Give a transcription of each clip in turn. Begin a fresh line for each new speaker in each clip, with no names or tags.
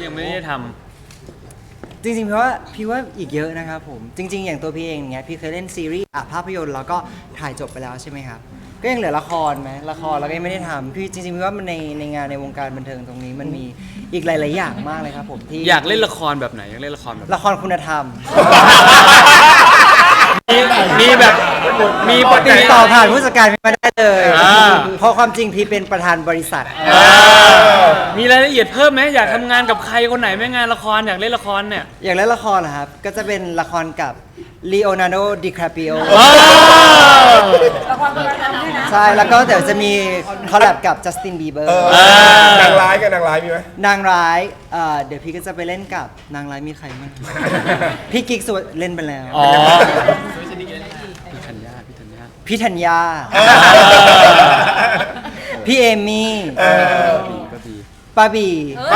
ยังไม่ได้ท
จริงๆพี่ว่าอีกเยอะนะครับผมจริงๆอย่างตัวพี่เองเนี้ยพี่เคยเล่นซีรีส์ภาพยนตร์แล้วก็ถ่ายจบไปแล้วใช่ไหมครับก็ยังเหลือละครไหมละครเราก็ยังไม่ได้ทำพี่จริงๆพี่ว่ามันในงานในวงการบันเทิงตรงนี้มันมีอีกหลายๆอย่างมากเลยครับผมที่
อยากเล่นละครแบบไหนอยากเล่นละครแบบ
ละครคุณธรรม
มีแบบมีปกติ
ติดต่อผ่านผู้จัดการพี่มาได้เลยเพราะความจริงพี่เป็นประธานบริษัท
มีรายละเอียดเพิ่มไหมอยากทำงานกับใครคนไหนไหมงานละครอยากเล่นละครเนี่ย
อย่างเล่นละครนะครับก็จะเป็นละครกับลีโอนาร์โด ดิคาปิโอ
ละครคุณธรรมด้วยนะ
ใช่แล้วก็เดี๋ยวจะมีคอลแลบกับจัสตินบีเบอร์
นางร้ายกับนางร้ายมีไหม
นางร้ายเดี๋ยวพี่ก็จะไปเล่นกับนางร้ายมีใครบ้าง พี่กิ๊กสุวเล่นไปแล้ว
อ๋อพี่ธัญญา
พี่ธัญญา พี่เอมี่
ก็ดี
ป้าบี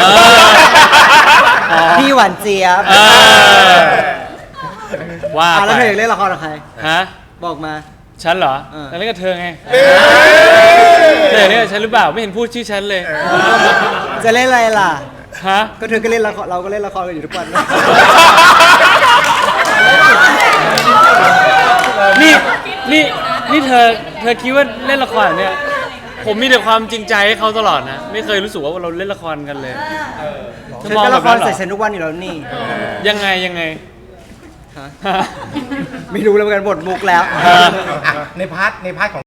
พี่หวานเจี๊ยบ
ว่า
แล้ว
ไป
เธออยากเล่นละครกับใคร
ฮะ
บอกมา
ฉันเหรอ
เออ
แล้วเล่นกับเธอไงเธอเนี่ยกกับฉันหรือเปล่าไม่เห็นพูดชื่อฉันเลย
จะเล่นอะไรล่ะ
ฮะ
ก็เธอก็เล่นละครเราก็เล่นละครกันอยู่ทุกวัน
นี่เธอคิดว่าเล่นละครเนี่ยผมมีแต่ความจริงใจให้เขาตลอดนะ ไม่เคยรู้สึกว่าเราเล่นละครกันเลย
เธอก็ละครใส่ฉันทุกวันอยู่แล้วนี่
ยังไง
ฮะ ไม่รู้แล้วเหมือนกันบทมุกแล้ว
ในพาร์ทของ